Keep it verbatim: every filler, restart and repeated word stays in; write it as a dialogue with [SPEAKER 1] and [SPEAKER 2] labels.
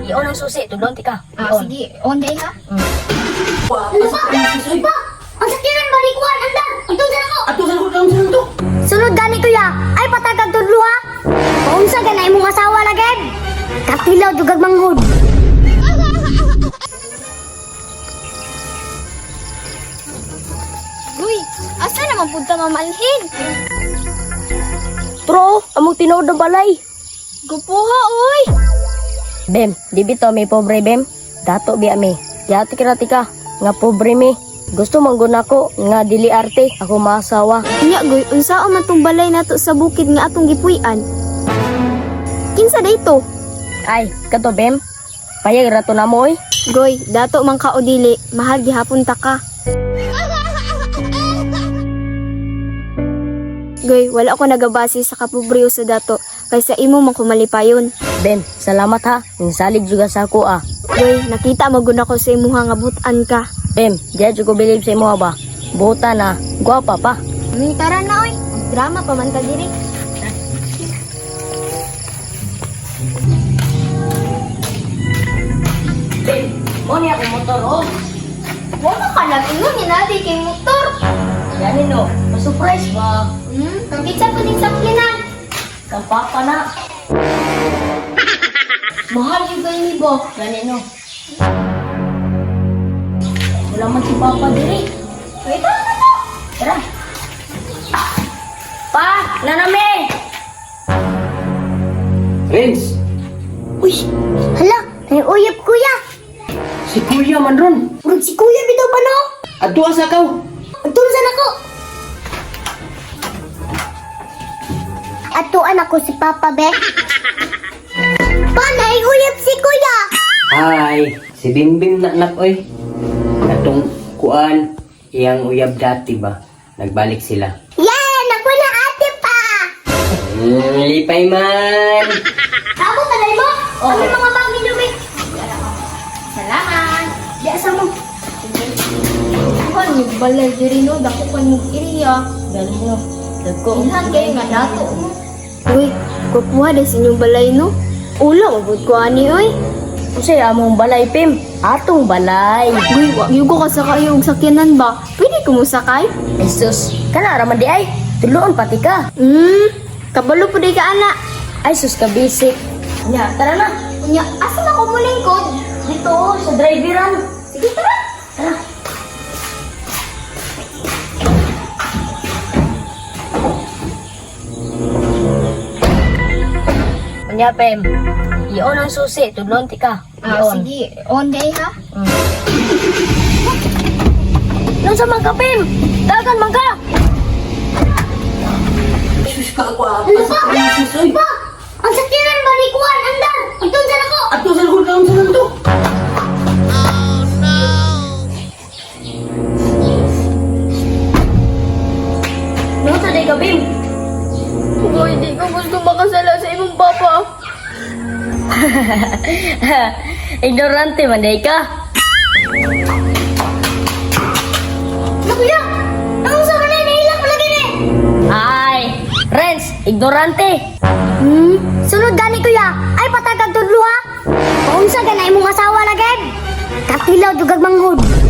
[SPEAKER 1] Iyon ang susi, tudlon ti ka.
[SPEAKER 2] Ah,
[SPEAKER 1] Iyon.
[SPEAKER 2] sige. On day ha?
[SPEAKER 1] Mm.
[SPEAKER 3] Ano ba? Ba? Ang sakyanan balikuan, anda! Ito sa ako!
[SPEAKER 4] Ato sa lukot lang sa to.
[SPEAKER 3] Sunod gani kuya, ay patagag tudlo ha! Paunsa ganay mong asawa lagad! Katilaw dugag manghod!
[SPEAKER 2] Uy, asa naman punta mamalhin?
[SPEAKER 1] Tro, among tinood ng balay.
[SPEAKER 2] Gupuha, uy!
[SPEAKER 1] Bem, di bito may pobre bem. Dato bi ami. Yati kirati ka, nga pobre mi. Gusto mangguna ko nga dili arte ako maasawa.
[SPEAKER 2] Nya, goy, unsa man tong balay nato sa bukid nga atong gipuy-an? Kinsa dayto?
[SPEAKER 1] Ay, kato bem. Payag rato na mo oy.
[SPEAKER 2] Goy, dato man ka o dili, mahal gihapon ta ka. Goy, wala ko nagabase sa kapobreo sa dato, kaysa imo man kumalipayon.
[SPEAKER 1] Bem, salamat ha. Ninsalig juga sa ako ah.
[SPEAKER 2] Goy, nakita maguna ko sa imuha nga butan ka.
[SPEAKER 1] Bem, di ko believe sa imo ba. Buta na, gwapa pa.
[SPEAKER 2] May tara na, oy. Drama pa man ka diri.
[SPEAKER 1] Bem, mo niya ako motor oh.
[SPEAKER 2] Wala ka lang ingon ni nadi kay motor.
[SPEAKER 1] Yanin no, ma-surprise ba?
[SPEAKER 2] Hmm, kagitsa po din sakyanan.
[SPEAKER 1] Kang papa na.
[SPEAKER 2] Mahal yung kayo ni Bo.
[SPEAKER 1] Yanin no. Wala man si papa diri.
[SPEAKER 2] Wait, tara na to.
[SPEAKER 1] Tara. Pa, nanami.
[SPEAKER 4] Renz,
[SPEAKER 3] Uy! Hala! May uyab kuya!
[SPEAKER 4] si Kuya man ron.
[SPEAKER 3] Urag si kuya bitaw ba no?
[SPEAKER 4] Ato asa kaw.
[SPEAKER 3] Agtulsan ako! Atuan ako si Papa Be. Panay uyab si kuya!
[SPEAKER 4] Hi, si Bimbim na anak oy. Atong kuan, iyang uyab dati ba? Nagbalik sila.
[SPEAKER 3] Yan! Ako na ate pa!
[SPEAKER 4] Hmm, lipay man.
[SPEAKER 3] Ako tanay mo?
[SPEAKER 1] Oo.
[SPEAKER 3] Ano mga bagay lubi?
[SPEAKER 2] Salamat.
[SPEAKER 3] Di asa mo.
[SPEAKER 2] Kan yung balay diri no, dako kan yung iriya.
[SPEAKER 1] Galing no. Dagko.
[SPEAKER 2] Ilhan kayo nga dato mo. Uy, kukuha din sa inyong balay no. Ulo, mabud ko ani oy.
[SPEAKER 1] Usay among balay pim. Atong balay.
[SPEAKER 2] Uy, wag yung ko kasakay yung sakyanan ba? Pwede ko mo sakay?
[SPEAKER 1] Jesus, kana raman di ay. Tuloon pati ka.
[SPEAKER 2] Hmm, kabalo po di ka ana.
[SPEAKER 1] Ay sus ka basic. Nya, tara na.
[SPEAKER 2] Unya, asa na ko mulingkod?
[SPEAKER 1] Dito oh, sa driveran.
[SPEAKER 2] Sige, tara.
[SPEAKER 1] Tara. Nya pem. Iyon ang susi, tudlon ti ka.
[SPEAKER 2] Ah,
[SPEAKER 1] Iyon.
[SPEAKER 2] sige. On day ha?
[SPEAKER 1] Mm. Nung sa mga pem. Dagan man ka.
[SPEAKER 4] Sus ka ako ah.
[SPEAKER 3] Ano ba? Ba? Ang sakyanan balikuan, anda! Agtulsan ako!
[SPEAKER 4] Ato sa lukot lang sa to.
[SPEAKER 1] Nung sa day ka pem.
[SPEAKER 2] Uy, di ko gusto makasala sa imong papa.
[SPEAKER 1] Ignorante man day ka.
[SPEAKER 3] Ano kuya? Ang sa ka na, nailang mo lagi ni!
[SPEAKER 1] Ay, Renz, ignorante.
[SPEAKER 3] Hmm? Sunod gani kuya, ay patagag tudlo ha! Paunsa ganay mong asawa lagad! Katilaw dugag manghod!